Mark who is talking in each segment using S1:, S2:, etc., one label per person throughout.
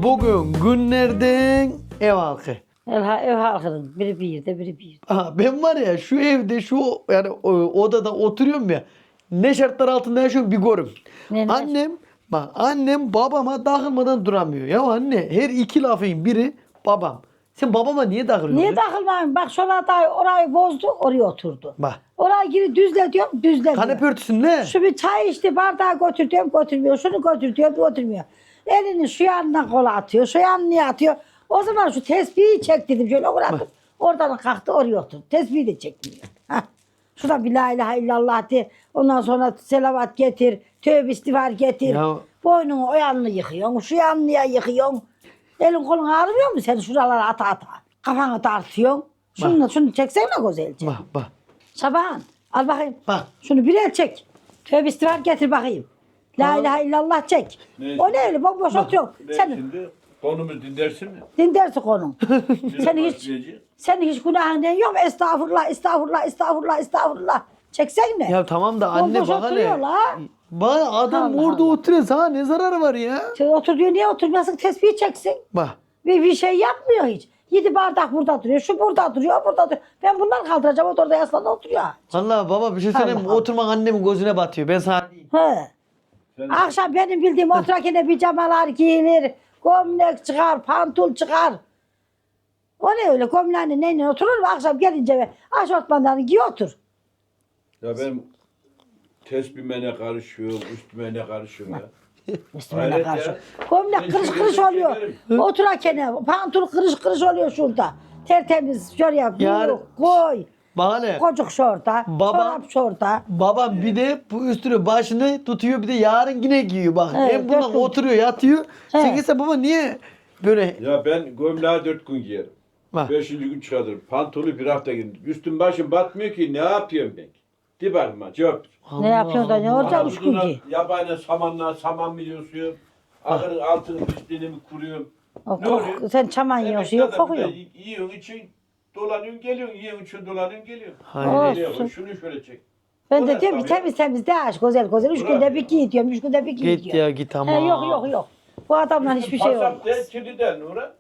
S1: Bugün günlerden ev halkı.
S2: Ev halkının biri bir yerde biri bir yerde.
S1: Aha, ben var ya şu evde şu yani odada oturuyorum ya. Ne şartlar altında yaşıyorum bir görüm.
S2: Ne?
S1: Annem babama takılmadan duramıyor. Ya anne her iki lafın biri babam. Sen babama niye takılıyorsun?
S2: Niye takılmayayım? Bak şurada orayı bozdu, oraya oturdu.
S1: Bak.
S2: Oraya geri düzle diyorum, düzle
S1: Kanepe
S2: diyor.
S1: örtüsün ne?
S2: Şu bir çay içti, bardağı götür diyorum, götürmüyor. Şunu götür diyorum, götürmüyor. Elini şu yanına kola atıyor, şu yanına atıyor. O zaman şu tespihi çek dedim, şöyle bıraktım. Oradan kalktı, oraya oturdu. Tesbihi de çekmiyor. Hah. Şurada bir la ilahe illallah de. Ondan sonra selavat getir, tövbe istiğfar getir.
S1: Ya.
S2: Boynunu o yanını yıkıyorsun, şu yanına yıkıyorsun. Elin kolun ağrımıyor mu sen şuralara ata ata? Kafanı tartıyorsun. Şunu çeksene güzelce.
S1: Bak.
S2: Şaban al bakayım.
S1: Bak.
S2: Şunu bir el çek. Tövbe istiğfar getir bakayım. La ilahe illallah çek.
S3: Ne?
S2: O ne öyle bomboş oturuyor. Sen
S3: Şimdi konumuz dinlersin mi?
S2: dinlersin konum. Senin hiç günahın yok. Estağfurullah, estağfurullah, estağfurullah, estağfurullah. Çeksen ne?
S1: Ya tamam da anne
S2: Bomboş
S1: bak hele.
S2: oturuyor la.
S1: Bak adam
S2: Allah
S1: orada
S2: Allah.
S1: oturuyor. Sana ne zararı var ya?
S2: Sen otur diyor, niye oturmuyorsun? Tesbih çeksin.
S1: Bak.
S2: Bir şey yapmıyor hiç. 7 bardak burada duruyor, şu burada duruyor, o burada duruyor. Ben bundan kaldıracağım, o da orada yaslanıp oturuyor.
S1: Allah baba bir şey söyleyeyim mi?
S2: Allah Allah.
S1: Oturmak annemin gözüne batıyor. Ben sana diyeyim.
S2: He. Akşam benim bildiğim oturakine pijamalar giyilir, gömlek çıkar, pantul çıkar. O ne öyle gömleğini neyle oturur mu? Akşam gelince ve aşortmanlarını giy otur.
S3: Ya ben tesbihime ne karışıyorum, üstüme ne karışıyorum ya.
S2: Üstüne
S3: Hayret
S2: karşı.
S3: ya.
S2: Gömlek
S3: Ben
S2: kırış
S3: şu
S2: kırış
S3: gözüm
S2: oluyor.
S3: çekerim.
S2: Oturakene pantul kırış kırış oluyor şurada. Tertemiz şuraya
S1: Yarın-
S2: koy.
S1: Bak hele.
S2: Kocuk şorta,
S1: Baba-
S2: çorap şorta.
S1: Babam bir de bu üstünü başını tutuyor bir de yarın yine giyiyor bak.
S2: Evet,
S1: Hem bundan
S2: dört gün.
S1: oturuyor yatıyor. Sen
S2: Evet.
S1: ise baba niye böyle
S3: Ya ben gömleği 4 gün giyerim.
S1: bak.
S3: 5. gün çıkartırım. Pantolonu bir hafta giyerim. Üstüm başım batmıyor ki ne yapıyorum ben? Dibarma cevap.
S2: Ne yapıyorsun da ne olacak üç gün
S3: Ağzına
S2: ki?
S3: yabani saman mı yiyorsun? Ahırın altını pisliğini mi kuruyorum?
S2: O
S3: Ne
S2: kok-
S3: oluyor?
S2: sen çaman yiyorsun, yok kokuyor.
S3: Yiyorsun için dolanıyorsun geliyorsun. Yiyorsun için dolanıyorsun geliyorsun.
S1: Hayret.
S2: Olsun.
S3: Şunu şöyle çek.
S2: Ben
S3: O
S2: de
S3: ne
S2: diyorum ki
S3: tabii?
S2: temiz temiz de aç güzel güzel. 3
S3: Bırak
S2: günde
S3: ya.
S2: bir giy diyorum, 3 günde bir giy
S1: Git
S2: diyorum.
S1: ya git ama.
S2: Yok. Bu adamdan hiçbir şey olmaz.
S3: Pasap de kirliden Nura.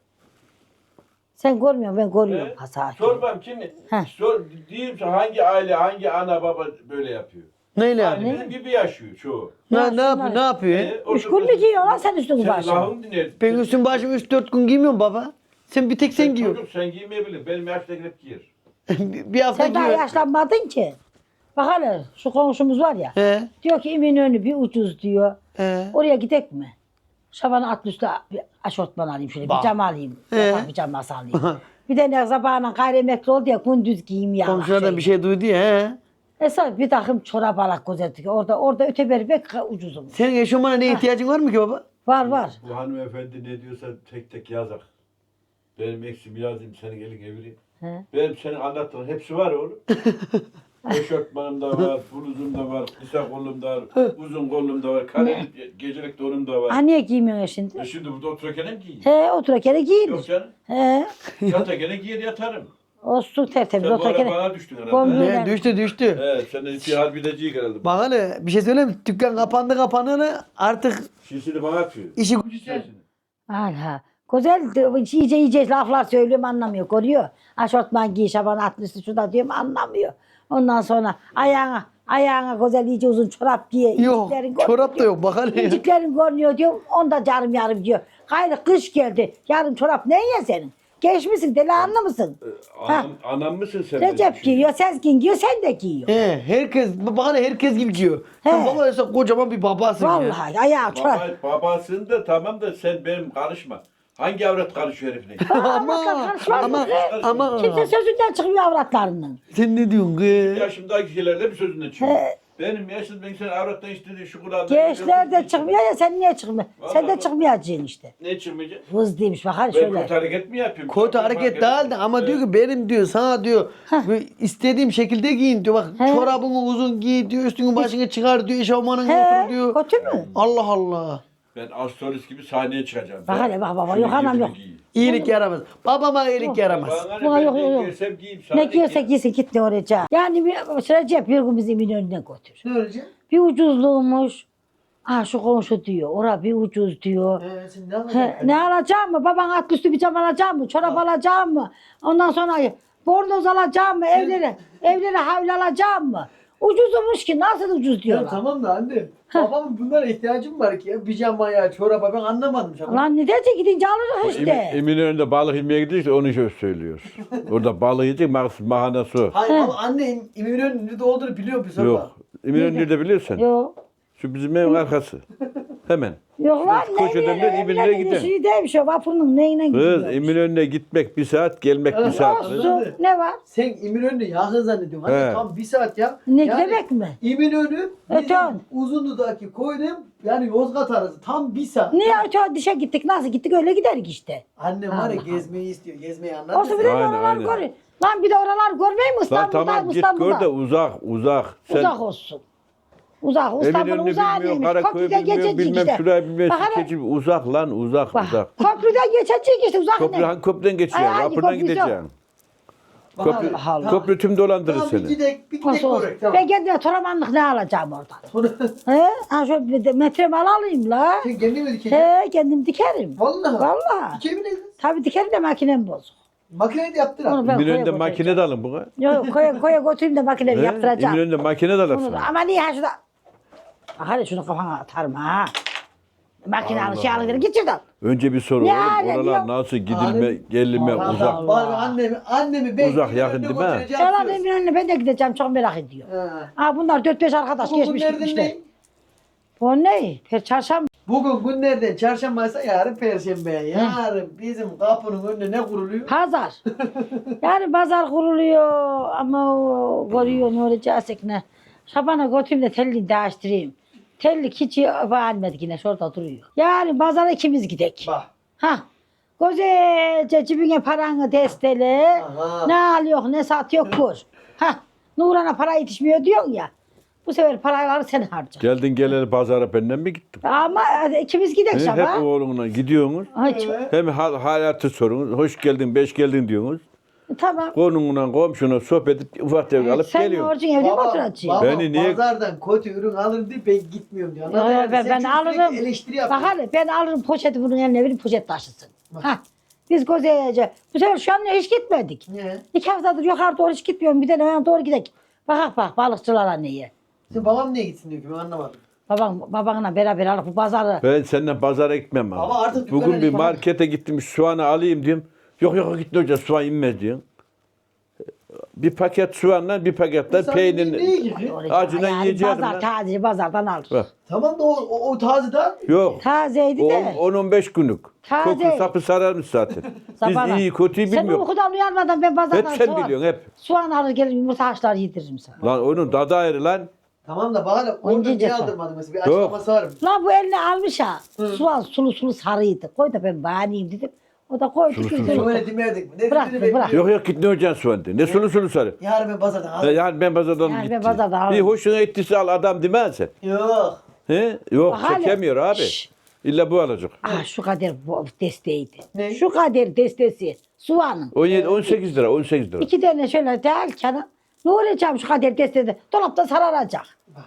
S2: Sen görmüyorsun, ben görüyorum
S3: He?
S2: hasar.
S3: Sor bakayım şimdi.
S2: Heh.
S3: Sor, diyeyim sana hangi aile, hangi ana baba böyle yapıyor?
S1: Neyle
S3: Yani
S1: yani?
S3: bizim gibi yaşıyor çoğu.
S1: Ne
S2: yapsınlar?
S1: yapıyor? Ne yapıyor?
S2: 3 gün mü giyiyorlar sen üstünü
S3: Sen
S2: başına?
S3: lafımı dinle.
S1: Ben üstüm başım 3-4 gün giymiyorum baba. Sen bir tek sen giyiyorsun.
S3: Çocuk sen giymeyebilir. Benim yaştaki hep giyer.
S1: Bir hafta
S2: Sen daha
S1: giyiyor.
S2: yaşlanmadın ki. Bak hele şu komşumuz var ya.
S1: He.
S2: Diyor ki İminönü bir ucuz diyor.
S1: He.
S2: Oraya gidek mi? Şaban'ı at üstü bir aşortman alayım şöyle,
S1: Bak.
S2: pijama alayım.
S1: He.
S2: Yatak pijaması alayım. Bir de ne sabahına gayrimenkul oldu ya gündüz giyeyim ya.
S1: Komşulardan bir şey duydu ya. He.
S2: Esas bir takım çorap alak gözettik. Orada öteberi bek ucuzum.
S1: Senin eşofmana ne ihtiyacın var mı ki baba?
S2: Var.
S3: Bu hanımefendi ne diyorsa tek tek yazak. Benim eksimi yazayım senin elin evireyim.
S2: He.
S3: Benim senin anlattığın hepsi var oğlum. Eşortmanım da var, bluzum da var, kısa kollum da var, uzun kollum da var, kareli gecelik donum da var.
S2: Ha niye giymiyorsun şimdi?
S3: Şimdi burada otururken mi giyeyim?
S2: He oturakene
S3: Yok
S2: giyilir.
S3: canım.
S2: He.
S3: Yatarken giyer yatarım.
S2: Olsun tertemiz
S3: Sen bu ara
S2: oturakene.
S3: bana düştün herhalde.
S2: Gömleği-
S3: he?
S1: Ne düştü.
S3: Evet, senin istihar bileceği herhalde.
S1: Bak hele bir şey söyleyeyim mi? Dükkan kapandı artık
S3: Şişini bana atıyor.
S1: işi gücü sen.
S3: Şişini.
S2: Hala. Güzel iyice laflar söylüyorum anlamıyor. Görüyor. Aşortman giy Şaban atlısı şurada diyorum anlamıyor. Ondan sonra ayağına güzel iyice uzun çorap giy.
S1: Yok
S2: inciklerin görünüyor
S1: çorap da
S2: diyor.
S1: yok bak hele.
S2: İnciklerin görünüyor diyorum. Onda yarım yarım diyor. Gayrı kış geldi. Yarın çorap ne ya senin? Geçmişsin delikanlı mısın?
S3: Anam mısın sen?
S2: Recep giyiyor, Sezgin giyiyor, sen de giyiyor.
S1: He, bak hele herkes gibi giyiyor. Sen
S2: He.
S1: baba sen kocaman bir babasın ya.
S2: Vallahi ayağı çorap.
S3: Babasın da tamam da sen benim karışma. Hangi avrat karışıyor herifine?
S1: ama
S2: Kimse sözünden çıkmıyor avratlarının.
S1: sen ne diyorsun kız?
S3: Yaşımdaki şeylerle bir sözünde çıkıyor. Benim yaşım ben sen avrattan istediğin şu kulağında.
S2: Gençler de çıkmıyor ya sen niye çıkmıyorsun? Sen de
S3: Vallahi.
S2: çıkmayacaksın işte.
S3: Ne çıkmayacak?
S2: Hız değilmiş bak hadi
S3: Ben
S2: şöyle.
S3: kötü hareket mi yapıyorum?
S1: Kötü hareket değil de ama diyor ki benim diyor sana diyor böyle istediğim şekilde giyin diyor. Bak
S2: He.
S1: çorabını uzun giy diyor üstünü başını çıkar diyor eşofmanını
S2: He,
S1: otur diyor.
S2: kötü mü?
S1: Allah Allah.
S3: Ben astrolist gibi sahneye çıkacağım.
S2: Bak hele bak baba,
S3: Şunu
S2: yok anam
S3: gibi
S2: yok.
S3: giyin.
S1: İyilik yaramaz. Babama iyilik yaramaz.
S3: Bana
S2: Buna
S3: ne,
S2: yok,
S3: ben
S2: yok,
S3: ne
S2: yok.
S3: giyersem giyeyim.
S2: Ne giyiyorsa giysin git ne oraya. Yani bir Recep bir gün bizi Eminönü'ne götür.
S1: Ne olacak?
S2: Bir ucuzluğumuş. Ah şu komşu diyor. Ora bir ucuz diyor.
S1: Sen ne alacaksın?
S2: Ne alacağım mı? Baban atlı üstü bir cam alacağım mı? Çorap alacağım mı? Ondan sonra bornoz alacağım mı? Evlere havlu alacağım mı? Ucuzmuş ki nasıl ucuz
S1: Ya
S2: diyorlar.
S1: tamam da anne. Babamın bunlara ihtiyacım var ki ya. Pijamaya, çoraba ben anlamadım. Şu an.
S2: Lan ne diyecek gidince alırız işte.
S3: Eminönü'nde balık yemeye gidiyoruz onu şöyle söylüyor. Orada balık yiyecek mahana su.
S1: Hayır baba anne İminönü'nün nerede olduğunu biliyor musun?
S3: Yok. Eminönü nerede biliyorsun?
S2: Yok.
S3: Şu bizim evin arkası. Hemen.
S2: Yok lan
S3: Şu koşudan ben İminönü'ne gidelim.
S2: Şey değilmiş o vapurun neyle
S3: Kız
S2: gidiyor.
S3: Eminönü'ne gitmek 1 saat, gelmek 1 saat. kız.
S2: Olsun ne var?
S1: Sen İminönü'nü yakın zannediyorsun. Hani
S3: He.
S1: tam 1 saat ya.
S2: Ne demek mi?
S1: İminönü
S2: Evet,
S1: bizim
S2: tamam.
S1: Uzunlu'daki koydum yani Yozgat arası tam 1 saat.
S2: Niye öte dişe gittik nasıl gittik öyle giderik işte.
S1: Annem var ya
S2: Allah
S1: gezmeyi istiyor. Gezmeyi
S2: Olsun
S1: anlat.
S2: bir de
S3: Aynen,
S2: oralar
S3: aynen.
S2: gör. Lan bir de oralar görmeyi mi
S3: Lan
S2: İstanbul'da?
S3: tamam git
S2: İstanbul'da.
S3: gör de uzak. Sen
S2: Uzak olsun. Uzak. İstanbul'un
S3: Eminönü'nü
S2: uzağı
S3: bilmiyor,
S2: değilmiş.
S3: Karaköy'ü
S2: Köprüden
S3: bilmiyor,
S2: geçecek
S3: bilmem
S2: işte.
S3: şurayı bilmem
S2: Bak hele,
S3: sikeci uzak lan uzak.
S2: bak, köprüden geçecek işte uzak
S3: Köprü
S2: ne?
S3: hangi köprüden geçeceksin?
S2: Ay, hangi
S3: Vapurdan
S2: köprüsü?
S3: gideceksin.
S1: Allah
S3: Köprü,
S2: Allah.
S3: köprü tüm dolandırır
S1: Tamam bir
S3: seni.
S1: gidek
S2: Olsun olsun.
S1: korek tamam.
S2: Ben kendime toramanlık ne alacağım oradan?
S1: Sonra
S2: He? Ha şöyle bir de metremi alayım la.
S1: sen kendin mi dikeceksin?
S2: He kendim dikerim.
S1: Vallahi.
S2: Vallahi.
S1: Dikebilirsiniz.
S2: Tabii dikerim de makinem bozuk.
S1: Makineyi de yaptır
S2: Onu
S1: abi.
S2: ben
S3: Eminönü'nde
S2: koya
S3: makine
S2: götüreceğim.
S3: de alın buna.
S2: Yok koya götüreyim de makinemi yaptıracağım.
S3: Eminönü'nde makine de
S2: Onu
S3: alırsın.
S2: da, ama niye ha şurada? Hadi şunu kafana atarım ha. Makine
S3: Allah
S2: alı şey alır git şuradan.
S3: Önce bir soru
S2: Ne
S3: oğlum.
S2: alem
S3: Oralar
S2: yok?
S3: nasıl gidilme,
S1: Alem-
S3: gelime
S1: Allah
S3: uzak.
S1: Allah. Bari annemi ben
S3: Uzak, yakın değil mi?
S2: Yalan emin önüne ben de gideceğim çok merak ediyorum. Ha bunlar 4-5 arkadaş
S1: Bugün
S2: geçmiş
S1: günlerden
S2: gitmişler.
S1: ne?
S2: Bu ne? Çarşamba.
S1: Bugün günlerden çarşambaysa yarın perşembe. Yarın bizim kapının önüne ne kuruluyor?
S2: Pazar. Yani pazar kuruluyor ama o görüyor ne olacak ne. Şabana götüreyim de tellini değiştireyim. Tellik hiç beğenmedik yine şurada duruyor. Yani pazara ikimiz gidek.
S1: Bak.
S2: Ha. Güzelce cebine paranı destele.
S1: Aha.
S2: Ne alıyor ne satıyor kur. Ha. Nurhan'a para yetişmiyor diyorsun ya. Bu sefer paraları sen harca.
S3: Geldin geleli pazara benden mi gittin?
S2: Ama ikimiz gidek
S3: Hep
S2: Şaban.
S3: oğlunla gidiyorsunuz.
S2: Ay, çok-
S1: Evet.
S3: Hem hayatı sorunuz. Hoş geldin, beş geldin diyorsunuz.
S2: Tamam.
S3: Konumla komşuna sohbet edip ufak tefek alıp
S2: Sen
S3: geliyorsun.
S2: borcun evde mi
S1: Baba,
S2: oturacaksın?
S1: baba
S3: Beni niye-
S1: pazardan kötü ürün alır diye ben gitmiyorum diyor. Anladın
S2: Yo,
S1: mı?
S2: ben
S1: Sen çünkü
S2: alırım.
S1: sürekli eleştiri
S2: Bak
S1: yapıyorsun.
S2: hele ben alırım poşeti bunun eline verip poşet taşısın. Ha. Biz Koze'ye bu sefer şu an hiç gitmedik.
S1: Niye?
S2: 2 haftadır yukarı doğru hiç gitmiyorum. Bir de hemen doğru gidelim. Bak balıkçılara neye.
S1: Sen babam niye gitsin diyor ki ben anlamadım.
S2: Babanla beraber alıp bu pazarı.
S3: Ben seninle pazara gitmem abi.
S1: Ama artık
S3: Bugün
S1: dükkana
S3: bir
S1: git, bak.
S3: markete gittim soğanı alayım diyorum. Yok gitme hoca soğan inmez diyorsun. Bir paket soğanla bir paketten
S1: Sen
S3: peynirin
S1: niye gidiyorsun?
S3: acından
S2: Yani
S3: yiyeceğim.
S2: pazar taze pazardan alır.
S3: Bak.
S1: Tamam da o taze daha mı?
S3: Yok.
S2: Tazeydi de.
S3: 10-15 günlük.
S2: Taze.
S3: Koku sapı sararmış zaten.
S2: Sabahına.
S3: Biz iyi kötüyü
S2: Sen
S3: bilmiyoruz.
S2: uykudan uyanmadan ben
S3: Hep
S2: pazardan
S3: sen biliyorsun hep.
S2: soğan alır gelir yumurta haşlar yediririm sana.
S3: Lan onun tadı ayrı lan.
S1: Tamam da bana orada
S2: Onca
S1: niye
S2: cefa.
S1: aldırmadın mesela bir açıklaması var mı?
S2: Lan bu eline almış ha. Soğan sulu sarıydı. Koy da ben bahaneyim dedim. O da koydu.
S3: Sulu
S2: biz
S3: sulu.
S2: de-
S1: Sen öyle demedik mi? Ne
S2: Bırak,
S1: dediğini
S2: bırak.
S1: bekliyorum.
S3: Yok git ne olacaksın soğan de. Ne sulu sulu sarı.
S1: Yarın ben pazardan alırım.
S3: Yani ben pazardan
S2: Yani ben
S3: gittim.
S2: pazardan alırım.
S3: Bir hoşuna ettiyse al adam demezsin.
S1: Yok.
S3: He? Yok
S2: Bak hele.
S3: çekemiyor abi.
S2: Şşş.
S3: İlla bu alacak.
S2: Ah şu kadar bu desteğiydi.
S1: Ne?
S2: Şu kadar destesi. Soğanın.
S3: 18 lira 18 lira.
S2: 2 tane şöyle derken ne olacağım şu kadar destede. Dolapta sararacak.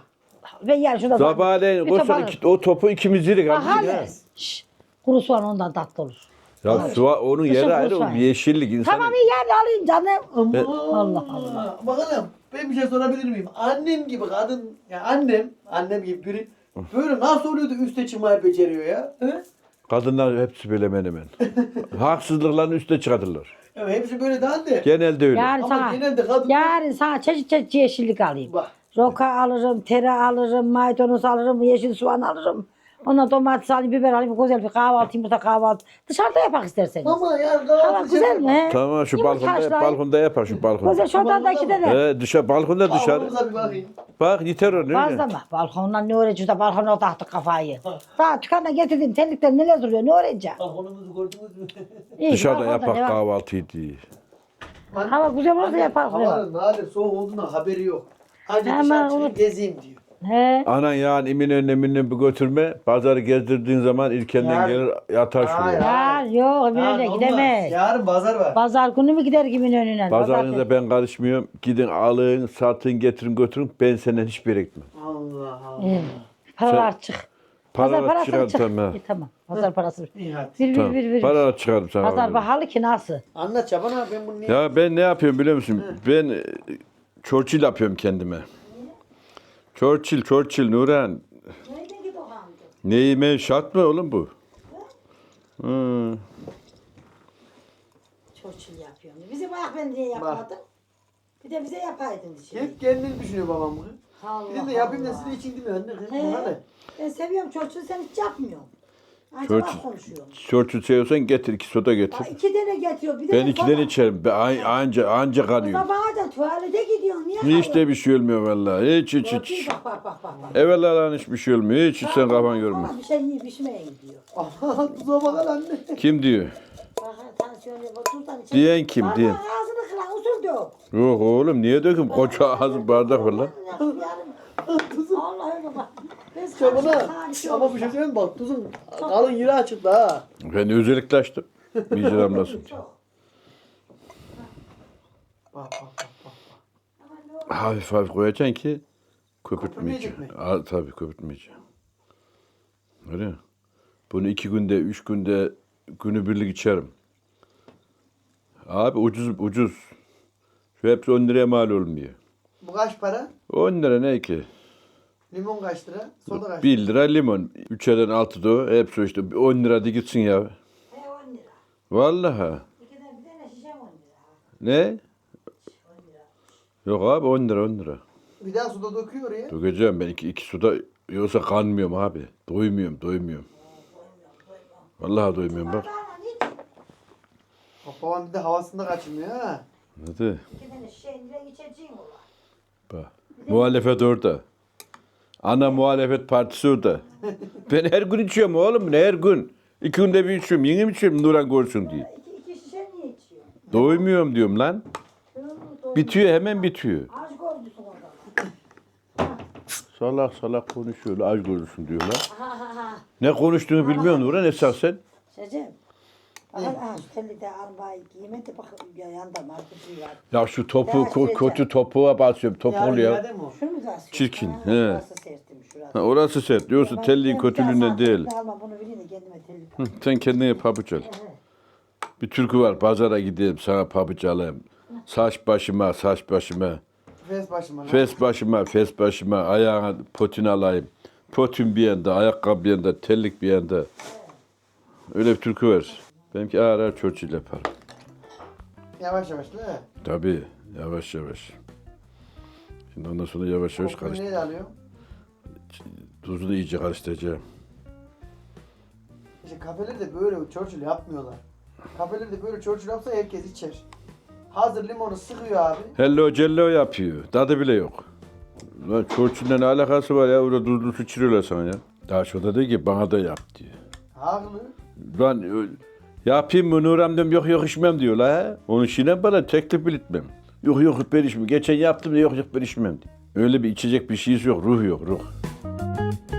S2: Ben yarın şurada
S3: Sabahleyin
S2: bir top
S3: koşar
S2: alırım.
S3: o topu ikimiz yedik
S2: Bak
S3: abi.
S2: hele. Şşş. Kuru soğan ondan tatlı olur.
S3: Ya onun
S2: Kışın
S3: yeri ayrı
S2: kuru
S3: o
S2: soğan.
S3: yeşillik insan.
S2: Tamam iyi yani alayım canım.
S1: Aman.
S2: Allah Allah.
S1: Bakalım ben bir şey sorabilir miyim? Annem gibi kadın, ya annem gibi biri böyle nasıl oluyor da üste çıkmayı beceriyor ya? He?
S3: Kadınlar hepsi böyle hemen hemen. Haksızlıkların üstüne çıkartırlar.
S1: Ya hepsi böyle daha de.
S3: Genelde öyle.
S2: Yarın
S1: Ama
S2: sana,
S1: genelde kadınlar-
S2: yarın sana çeşit yeşillik alayım.
S1: Bak.
S2: Roka alırım, tere alırım, maydanoz alırım, yeşil soğan alırım. Ondan domates alayım, biber alayım, güzel bir kahvaltı, yumurta kahvaltı. Dışarıda yapak isterseniz.
S1: Ama ya
S2: Hava
S1: kahvaltı
S2: güzel mi?
S3: Tamam şu
S2: Yumurta
S3: balkonda
S2: haşlayayım.
S3: balkonda yapar şu balkonda.
S2: Güzel şuradan da iki tane.
S3: Dışarı balkonda dışarı.
S1: Balkonumuza bir bakayım.
S3: Bak yeter o ne?
S2: Fazla mı? Balkondan ne öğreneceğiz de balkona taktık kafayı. Daha dükkanda getirdim terlikler neler duruyor ne öğreneceğim?
S1: Balkonumuzu gördünüz mü?
S2: İyi,
S3: Dışarıda
S2: balkonda
S3: yapak
S2: ne var?
S3: kahvaltıyı diye.
S2: Hava güzel olursa yapar.
S1: Havanın nadir soğuk olduğundan haberi yok. Ancak
S2: Hemen
S1: dışarı çıkıp
S2: unut.
S1: gezeyim diyor.
S2: He.
S3: Anan yani Eminönü'ne bir götürme. Pazarı gezdirdiğin zaman ilkenden
S1: Yarın.
S3: gelir yatar şuraya.
S1: Hayır.
S2: Ya yok
S1: Ha,
S2: Eminönü'ne
S1: olmaz.
S2: gidemez.
S1: Yarın pazar var.
S2: Pazar günü mü gider kimin önüne?
S3: Pazarınıza ben karışmıyorum. Gidin alın, satın, getirin, götürün. Ben senden hiçbir yere gitmem.
S1: Allah Allah.
S2: İyi. Paralar çık.
S3: Paralar çıkardım
S2: çık.
S3: tamam.
S2: İyi, tamam. Pazar parası.
S1: İyi hadi.
S2: Bir.
S3: Tamam. Paralar çıkardım sana.
S2: Pazar pahalı ki nasıl?
S1: Anlat Çaban abi ben bunu niye...
S3: Ya ben ne yapıyorum biliyor musun? Ben Churchill yapıyorum kendime. Churchill Nuran. Neyime şart mı oğlum bu? Hı.
S2: Çorçul yapıyorum. Bize bak ben niye yapmadım? Bir de bize yapaydın şey.
S1: Hep kendini düşünüyor babam bu.
S2: Allah
S1: Bir de yapayım da
S2: Allah.
S1: sizin için değil mi anne?
S2: He.
S1: Hadi.
S2: Ben seviyorum çorçulu, sen hiç yapmıyorsun. Acaba
S3: Churchill.
S2: konuşuyorum.
S3: Churchill seviyorsan getir 2 soda getir.
S2: Aa, 2 tane getiriyor. Bir de
S3: Ben 2'den içerim. Ben anca kalıyorum.
S2: Sabah da tuvalete gidiyorsun. Niye
S3: Hiç de bir şey olmuyor vallahi. Hiç.
S2: Bak.
S3: Evvela hiçbir şey olmuyor. Hiç sen kafan yorma.
S2: Bana bir şey yiyip içmeye gidiyor.
S1: Aha tuza bakar anne.
S3: Kim diyor?
S2: Bak tansiyon yapıyor. Tuzdan içe.
S3: Diyen kim,
S2: Bana
S3: diyen?
S2: ağzını kıran usul dök.
S3: Yok oğlum niye döküm? Koca ağzı bardak var lan.
S2: Allah'ım baba. Biz
S1: Çabana.
S2: karşı
S1: Ama bir şey söyleyeyim mi? Bak tuzun kalın yeri açıldı ha.
S3: Ben özellikle açtım. Bir damlasın diye.
S1: Bak.
S3: Hafif koyacaksın ki köpürtmeyeceksin.
S1: Köpürtmeyecek
S3: Tabii köpürtmeyeceksin. Öyle mi? Bunu 2 günde, 3 günde günübirlik içerim. Abi ucuz. Şu hepsi 10 liraya mal olmuyor.
S1: Bu kaç para?
S3: 10 lira ne ki?
S1: Limon kaç lira? Soda kaç lira?
S3: 1 lira limon. 3'den 6'da o. Hepsi işte 10 lira da gitsin ya.
S2: 10 lira.
S3: Vallahi.
S2: Bir tane şişe 10 lira.
S3: Ne? Yok abi 10 lira.
S1: Bir daha suda döküyor oraya.
S3: Dökeceğim ben iki suda yoksa kanmıyorum abi. Doymuyorum. Vallahi doymuyorum bak.
S1: Bak babam bir de havasında kaçırmıyor ha.
S3: Hadi.
S2: 2 tane şişeyle içeceğim ola.
S3: Bak. Muhalefet orada. Ana muhalefet partisi orada. Ben her gün içiyorum oğlum. Her gün. 2 günde bir içiyorum. Yeni mi içiyorum Nuran görsün diye.
S2: 2 şişe niye içiyor?
S3: Doymuyorum diyorum lan. Bitiyor hemen bitiyor.
S2: Aşk olmuşsun orada.
S3: Salak konuşuyorlar. Aç görürsün diyorlar. Ne konuştuğunu bilmiyorsun Nuran esasen.
S2: Şecem. Aha şu telli de almayı giymedi bak yanında markası var.
S3: Ya şu topu
S2: Ya işte-
S3: kötü topuğa basıyorum. Top
S1: Yani
S3: oluyor.
S1: iade mi o?
S2: Şunu mu basıyor?
S3: Çirkin,
S2: Ha,
S3: he.
S2: Orası sertmiş şurası.
S3: Ha, orası sert. Diyorsun
S2: Ben
S3: telliğin
S2: bir daha
S3: kötülüğünden
S2: sana
S3: değil.
S2: telli Alma bunu bileyim de kendime telli.
S3: Hı, sen kendine pabuç al. Bir türkü var. Pazara gideyim sana pabuç alayım. Saç başıma.
S1: Fes başıma.
S3: Ayağına potin alayım. Potin bir yanda, ayakkabı bir yanda, tellik bir yanda. Öyle bir türkü var. Benimki ağır Churchill yaparım.
S1: Yavaş değil mi?
S3: Tabii. Yavaş. Şimdi ondan sonra yavaş
S1: Kokuyu
S3: karıştır.
S1: neyle alıyor?
S3: Tuzunu iyice karıştıracağım.
S1: İşte kafelerde böyle Churchill yapmıyorlar. Kafelerde böyle Churchill yapsa herkes içer. Hazır limonu sıkıyor abi.
S3: Hello cello yapıyor. Tadı bile yok. Lan Churchill'le ne alakası var ya? Orada tuzlu su içiriyorlar sana ya. Daha şurada diyor ki bana da yap diyor.
S1: Haklı.
S3: Lan yapayım mı Nuram diyorum yok içmem diyor la. He. Onun işine bana teklif bile etmem. Yok ben içmem. Geçen yaptım da yok ben içmem diyor. Öyle bir içecek bir şeysi yok. Ruh yok.